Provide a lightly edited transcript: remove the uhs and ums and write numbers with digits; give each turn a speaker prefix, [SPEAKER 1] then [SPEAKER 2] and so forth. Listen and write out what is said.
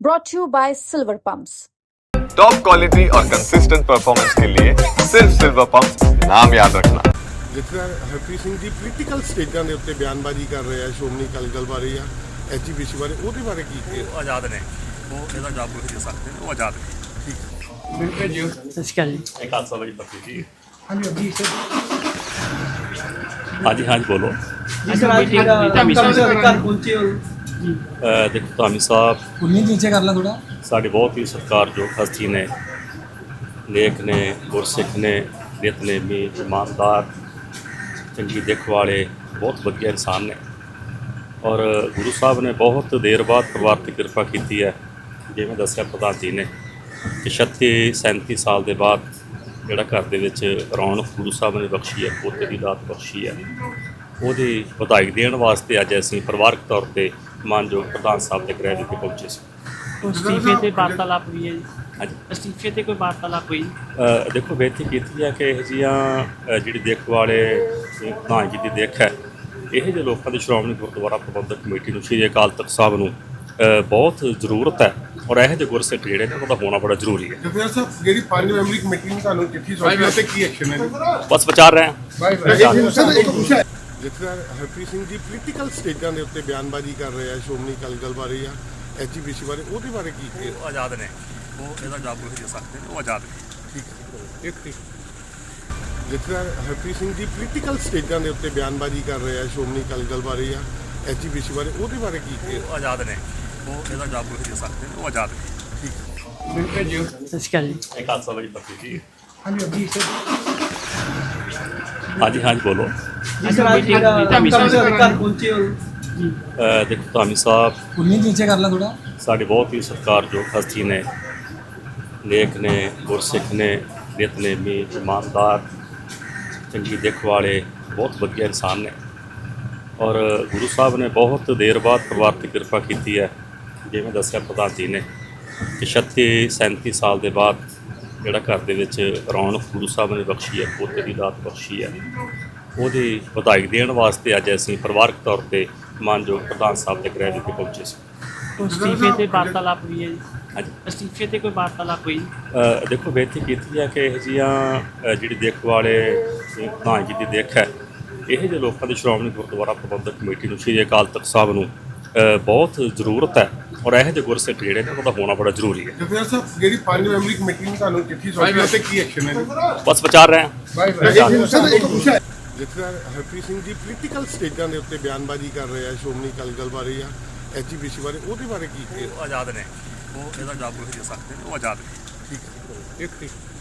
[SPEAKER 1] brought to you by Silver Pumps.
[SPEAKER 2] Top quality और consistent performance के लिए सिर्फ सिल्वर पंप नाम याद रखना।
[SPEAKER 3] ਜਿੱਥੇ ਹਰਪ੍ਰੀਤ ਸਿੰਘ ਜੀ ਪੋਲੀਟੀਕਲ ਸਟੇਜਾਂ ਦੇ ਉੱਤੇ ਬਿਆਨਬਾਜ਼ੀ ਕਰ ਰਹੇ ਆ ਸ਼੍ਰੋਮਣੀ ਅਕਾਲੀ ਦਲ ਬਾਰੇ ਜਾਂ ਐਚਪੀਸੀ ਬਾਰੇ, ਉਹਦੇ ਬਾਰੇ ਕੀ ਕਹੇ?
[SPEAKER 4] ਉਹ ਆਜ਼ਾਦ ਨੇ, ਉਹ ਇਹਦਾ ਜਵਾਬ ਨਹੀਂ ਦੇ ਸਕਦੇ ਨੇ, ਉਹ ਆਜ਼ਾਦ ਨੇ।
[SPEAKER 3] ਠੀਕ
[SPEAKER 5] ਬਿਲਕੁਲ ਜੀ। ਸਤਿ ਸ਼੍ਰੀ ਅਕਾਲ ਜੀ।
[SPEAKER 4] ਇੱਕ ਹਾਦਸਾ ਵਜੀ ਪੱਤੀ ਜੀ।
[SPEAKER 5] ਹਾਂਜੀ ਅਭੀ ਸਰ।
[SPEAKER 4] ਹਾਂਜੀ ਹਾਂਜੀ ਬੋਲੋ।
[SPEAKER 5] ਜੀ ਸਰ ਅੱਜ ਧਾਮੀ ਸਾਹਿਬ ਘਰ ਪਹੁੰਚੇ ਹੋ ਜੀ।
[SPEAKER 4] ਦੇਖੋ ਧਾਮੀ ਸਾਹਿਬ
[SPEAKER 5] ਉਨੀ ਨੀਚੇ ਕਰ ਲਾ ਥੋੜਾ।
[SPEAKER 4] ਸਾਡੇ ਬਹੁਤ ਹੀ ਸਤਿਕਾਰਯੋਗ ਹਸਤੀ ਨੇ, ਨੇਕ ਨੇ, ਗੁਰਸਿੱਖ ਨੇ, ਨਿਤਨੇਮੀ, ਇਮਾਨਦਾਰ, ਚੰਗੀ ਦਿੱਖ ਵਾਲੇ, ਬਹੁਤ ਵਧੀਆ ਇਨਸਾਨ ਨੇ। ਔਰ ਗੁਰੂ ਸਾਹਿਬ ਨੇ ਬਹੁਤ ਦੇਰ ਬਾਅਦ ਪਰਿਵਾਰ 'ਤੇ ਕਿਰਪਾ ਕੀਤੀ ਹੈ। ਜਿਵੇਂ ਦੱਸਿਆ ਪ੍ਰਧਾਨ ਜੀ ਨੇ ਕਿ 37 ਸਾਲ ਦੇ ਬਾਅਦ ਜਿਹੜਾ ਘਰ ਦੇ ਵਿੱਚ ਰੌਣਕ ਗੁਰੂ ਸਾਹਿਬ ਨੇ ਬਖਸ਼ੀ ਹੈ, ਪੋਤੇ ਦੀ ਦਾਤ ਬਖਸ਼ੀ ਹੈ, ਉਹਦੀ ਵਧਾਈ ਦੇਣ ਵਾਸਤੇ ਅੱਜ ਅਸੀਂ ਪਰਿਵਾਰਕ ਤੌਰ 'ਤੇ ਮਾਨਯੋਗ ਪ੍ਰਧਾਨ ਸਾਹਿਬ ਦੇ ਗ੍ਰਹਿ ਵਿਖੇ ਪਹੁੰਚੇ ਸੀ।
[SPEAKER 6] ਅਸਤੀਫੇ ਤੇ ਵਾਰਤਾਲਾਪ ਹੋਈ ਹੈ ਜੀ।
[SPEAKER 4] ਹਾਂਜੀ
[SPEAKER 6] ਅਸਤੀਫੇ ਤੇ ਕੋਈ ਵਾਰਤਾਲਾਪ ਹੋਈ?
[SPEAKER 4] ਦੇਖੋ ਬੇਨਤੀ ਕੀਤੀ ਹੈ ਕਿ ਇਹ ਜਿਹੀਆਂ ਜਿਹੜੀ ਦਿੱਖ ਵਾਲੇ ਪ੍ਰਧਾਨ ਜੀ ਦੀ ਦਿੱਖ ਹੈ, ਇਹ ਜਿਹੇ ਲੋਕਾਂ ਦੀ ਸ਼੍ਰੋਮਣੀ ਗੁਰਦੁਆਰਾ ਪ੍ਰਬੰਧਕ ਕਮੇਟੀ ਨੂੰ, ਸ਼੍ਰੀ ਅਕਾਲ ਤਖਤ ਸਾਹਿਬ ਨੂੰ ਬਹੁਤ ਜ਼ਰੂਰਤ ਹੈ। ਔਰ ਇਹੋ ਜਿਹੇ ਗੁਰਸਿੱਖ ਜਿਹੜੇ ਨੇ ਉਹਨਾਂ ਦਾ ਹੋਣਾ ਬੜਾ ਜ਼ਰੂਰੀ ਹੈ।
[SPEAKER 3] ਜਥੇਦਾਰ ਸਾਹਿਬ, ਜਿਹੜੀ 5 ਮੈਂਬਰੀ ਕਮੇਟੀ ਨੇ ਤੁਹਾਨੂੰ ਚਿੱਠੀ ਸੌਂਪੀ ਤੇ ਕੀ ਐਕਸ਼ਨ ਹੈ?
[SPEAKER 4] ਬਸ ਵਿਚਾਰ ਰਹੇ ਹਾਂ।
[SPEAKER 3] ਜਥੇਦਾਰ ਹਰਪ੍ਰੀਤ ਸਿੰਘ ਜੀ ਪੋਲੀਟੀਕਲ ਸਟੇਜਾਂ ਦੇ ਉੱਤੇ ਬਿਆਨਬਾਜ਼ੀ ਕਰ ਰਹੇ ਆ ਸ਼੍ਰੋਮਣੀ ਅਕਾਲੀ ਦਲ ਬਾਰੇ ਜਾਂ ਐਚਪੀਸੀ ਬਾਰੇ, ਉਹਦੇ ਬਾਰੇ ਕੀ ਕਹੇ?
[SPEAKER 4] ਉਹ ਆਜ਼ਾਦ ਨੇ, ਉਹ ਇਹਦਾ ਜਵਾਬ ਨਹੀਂ ਦੇ ਸਕਦੇ ਨੇ, ਉਹ ਆਜ਼ਾਦ ਨੇ।
[SPEAKER 3] ਠੀਕ ਜਥੇਦਾਰ ਹਰਪ੍ਰੀਤ ਸਿੰਘ ਜੀ ਪੋਲੀਟੀਕਲ ਸਟੇਜਾਂ ਦੇ ਉੱਤੇ ਬਿਆਨਬਾਜ਼ੀ ਕਰ ਰਹੇ ਆ ਸ਼੍ਰੋਮਣੀ ਅਕਾਲੀ ਦਲ ਬਾਰੇ ਜਾਂ ਐਚਪੀਸੀ ਬਾਰੇ, ਉਹਦੇ ਬਾਰੇ ਕੀ ਕਹੇ?
[SPEAKER 4] ਉਹ ਆਜ਼ਾਦ ਨੇ, ਉਹ ਇਹਦਾ ਜਵਾਬ ਨਹੀਂ ਦੇ ਸਕਦੇ ਨੇ, ਉਹ ਆਜ਼ਾਦ ਨੇ।
[SPEAKER 5] ਬਿਲਕੁਲ ਜੀ। ਸਤਿ ਸ਼੍ਰੀ ਅਕਾਲ ਜੀ।
[SPEAKER 4] ਇੱਕ ਹਾਦਸਾ ਵਜੀ ਪੱਤੀ ਜੀ।
[SPEAKER 5] ਹਾਂਜੀ ਅਭੀ ਸਰ।
[SPEAKER 4] ਹਾਂਜੀ ਹਾਂਜੀ ਬੋਲੋ।
[SPEAKER 5] ਜੀ ਸਰ ਅੱਜ ਧਾਮੀ ਸਾਹਿਬ ਘਰ ਪਹੁੰਚੇ ਹੋ ਜੀ।
[SPEAKER 4] ਦੇਖੋ ਧਾਮੀ ਸਾਹਿਬ
[SPEAKER 5] ਉਨੀ ਨੀਚੇ ਕਰ ਲਾ ਥੋੜਾ।
[SPEAKER 4] ਸਾਡੇ ਬਹੁਤ ਹੀ ਸਤਿਕਾਰਯੋਗ ਹਸਤੀ ਨੇ, ਨੇਕ ਨੇ, ਗੁਰਸਿੱਖ ਨੇ, ਨਿਤਨੇਮੀ, ਇਮਾਨਦਾਰ, ਚੰਗੀ ਦਿੱਖ ਵਾਲੇ, ਬਹੁਤ ਵਧੀਆ ਇਨਸਾਨ ਨੇ। ਔਰ ਗੁਰੂ ਸਾਹਿਬ ਨੇ ਬਹੁਤ ਦੇਰ ਬਾਅਦ ਪਰਿਵਾਰ 'ਤੇ ਕਿਰਪਾ ਕੀਤੀ ਹੈ। ਜਿਵੇਂ ਦੱਸਿਆ ਪ੍ਰਧਾਨ ਜੀ ਨੇ ਕਿ 37 ਸਾਲ ਦੇ ਬਾਅਦ ਜਿਹੜਾ ਘਰ ਦੇ ਵਿੱਚ ਰੌਣਕ ਗੁਰੂ ਸਾਹਿਬ ਨੇ ਬਖਸ਼ੀ ਹੈ, ਪੋਤੇ ਦੀ ਦਾਤ ਬਖਸ਼ੀ ਹੈ, ਉਹਦੀ ਵਧਾਈ ਦੇਣ ਵਾਸਤੇ ਅੱਜ ਅਸੀਂ ਪਰਿਵਾਰਕ ਤੌਰ 'ਤੇ ਮਾਨਯੋਗ ਪ੍ਰਧਾਨ ਸਾਹਿਬ ਦੇ ਗ੍ਰਹਿ ਵਿਖੇ ਪਹੁੰਚੇ ਸੀ।
[SPEAKER 6] ਅਸਤੀਫੇ ਤੇ ਵਾਰਤਾਲਾਪ ਹੋਈ ਹੈ ਜੀ।
[SPEAKER 4] ਹਾਂਜੀ
[SPEAKER 6] ਅਸਤੀਫੇ ਤੇ ਕੋਈ ਵਾਰਤਾਲਾਪ ਹੋਈ?
[SPEAKER 4] ਦੇਖੋ ਬੇਨਤੀ ਕੀਤੀ ਹੈ ਕਿ ਇਹ ਜਿਹੀਆਂ ਜਿਹੜੀ ਦਿੱਖ ਵਾਲੇ ਪ੍ਰਧਾਨ ਜੀ ਦੀ ਦਿੱਖ ਹੈ, ਇਹ ਜਿਹੇ ਲੋਕਾਂ ਦੀ ਸ਼੍ਰੋਮਣੀ ਗੁਰਦੁਆਰਾ ਪ੍ਰਬੰਧਕ ਕਮੇਟੀ ਨੂੰ, ਸ਼੍ਰੀ ਅਕਾਲ ਤਖਤ ਸਾਹਿਬ ਨੂੰ ਬਹੁਤ ਜ਼ਰੂਰਤ ਹੈ। ਔਰ ਇਹੋ ਜਿਹੇ ਗੁਰਸਿੱਖ ਜਿਹੜੇ ਨੇ ਉਹਨਾਂ ਦਾ ਹੋਣਾ ਬੜਾ ਜ਼ਰੂਰੀ ਹੈ।
[SPEAKER 3] ਜਥੇਦਾਰ ਸਾਹਿਬ, ਜਿਹੜੀ 5 ਮੈਂਬਰੀ ਕਮੇਟੀ ਨੇ ਤੁਹਾਨੂੰ ਚਿੱਠੀ ਸੌਂਪੀ ਤੇ ਕੀ ਐਕਸ਼ਨ ਹੈ?
[SPEAKER 4] ਬਸ ਵਿਚਾਰ ਰਹੇ ਹਾਂ।
[SPEAKER 3] ਜਥੇਦਾਰ ਹਰਪ੍ਰੀਤ ਸਿੰਘ ਜੀ ਪੋਲੀਟੀਕਲ ਸਟੇਜਾਂ ਦੇ ਉੱਤੇ ਬਿਆਨਬਾਜ਼ੀ ਕਰ ਰਹੇ ਆ ਸ਼੍ਰੋਮਣੀ ਅਕਾਲੀ ਦਲ ਬਾਰੇ ਜਾਂ ਐਚਪੀਸੀ ਬਾਰੇ, ਉਹਦੇ ਬਾਰੇ ਕੀ ਕਹੇ?
[SPEAKER 4] ਉਹ ਆਜ਼ਾਦ ਨੇ, ਉਹ ਇਹਦਾ ਜਵਾਬ ਨਹੀਂ ਦੇ ਸਕਦੇ ਨੇ, ਉਹ ਆਜ਼ਾਦ ਨੇ।
[SPEAKER 3] ਠੀਕ